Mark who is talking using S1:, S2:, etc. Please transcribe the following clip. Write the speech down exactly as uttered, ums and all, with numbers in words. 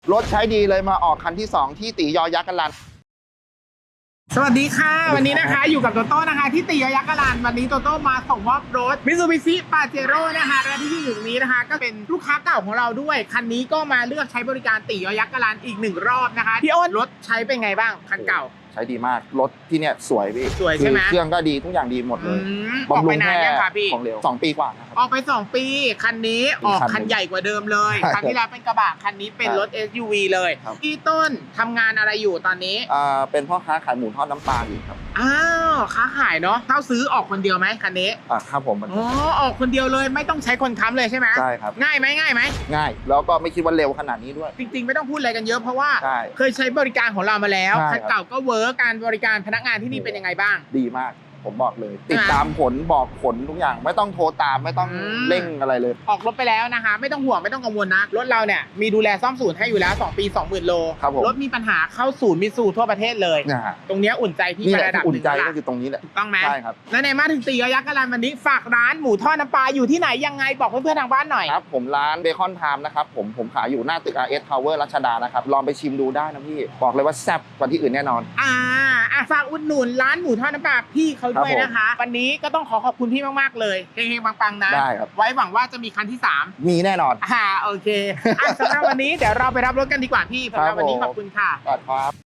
S1: รถใช้ดีเลยมาออกคันที่สองที่ตียอยักษ์กันลัน
S2: สวัสดีค่ะวันนี้นะคะอยู่กับโตโต้นะคะที่ตียอยักษ์กะลานวันนี้โตโต้มาส่งมอบรถ Mitsubishi Pajero นะคะและที่ที่อยู่ตรงนี้นะคะก็เป็นลูกค้าเก่าของเราด้วยคันนี้ก็มาเลือกใช้บริการตียอยักษ์กะลานอีกหนึ่งรอบนะคะพี่อ้นรถใช้เป็นไงบ้างคันเก่า
S1: ใช้ดีมากรถที่เนี่ยสวยพี่
S2: สวยใช่ไหม
S1: เครื่องก็ดีทุกอย่างดีหมดเลย
S2: ออกไปนานยังคะพี่
S1: ของเร็วสองปีกว่านะครับ
S2: ออกไปสองปีคันนี้ออกคันใหญ่กว่าเดิมเลยคันที่แล้วเป็นกระบะคันนี้เป็นรถ เอส ยู วี เลยพี่ต้นทำงานอะไรอยู่ตอนนี้
S1: อ่าเป็นพ่อค้าขายหมูทอดน้ำปลาอยู่ครับ
S2: อ้าวค้าขายเนาะเข้าซื้อออกคนเดียวไหมคันนี้
S1: อ่าครับผม
S2: อ๋อออกคนเดียวเลยไม่ต้องใช้คนค้ำเลยใช่ไหม
S1: ใช่ครับ
S2: ง่ายไหมง่ายไหม
S1: ง่ายแล้วก็ไม่คิดว่าเร็วขนาดนี้ด้วย
S2: จริงๆไม่ต้องพูดอะไรกันเยอะเพราะว่าเคยใช้บริการของเรามาแล้วคันเก่าก็เวิร์กการบริการพนักงานที่นี่เป็นยังไงบ้าง
S1: ดีมากผมบอกเลยติดตามผลบอกผลทุกอย่างไม่ต้องโทรตามไม่ต้องเร่งอะไรเลย
S2: ออกรถไปแล้วนะคะไม่ต้องห่วงไม่ต้องกังวลนะรถเราเนี่ยมีดูแลซ่อมศูนย์ให้อยู่แล้วสองปี สองหมื่น โลรถมีปัญหาเข้าศูนย์มิตซูทั่วประเทศเลยตรงนี้อุ่นใจพี่
S1: ระดับอุ่นใจก็คือตรงนี้แหละ
S2: ถูกต้องไหม
S1: ใช่ครับ
S2: และในมาถึงตียอยักษ์กะลานวันนี้ฝากร้านหมูทอดน้ำปลาอยู่ที่ไหนยังไงบอกเพื่อนๆทางบ้านหน่อย
S1: ครับผมร้านเบคอนไทม์นะครับผมผมขายอยู่หน้าตึก อาร์ เอส Tower รัชดานะครับลองไปชิมดูได้นะพี่บอกเลยว่าแซ่บกว่าที่อื่นแน่นอน
S2: อ่าอ่ะฝากอุดหนุนร้านหมูทอดน้ำปลาพี่เขาด้วยนะคะวันนี้ก็ต้องขอขอบคุณพี่มากๆเลยเฮงๆปังๆนะ
S1: ได้ครับ
S2: ไว้หวังว่าจะมีคันที่สาม
S1: มีแน่นอน
S2: อ่าโอเคอ่ะสำหรับวันนี้เดี๋ยวเราไปรับรถกันดีกว่าพี่สำหรับวันนี้ขอบคุณค่ะ
S1: ครับ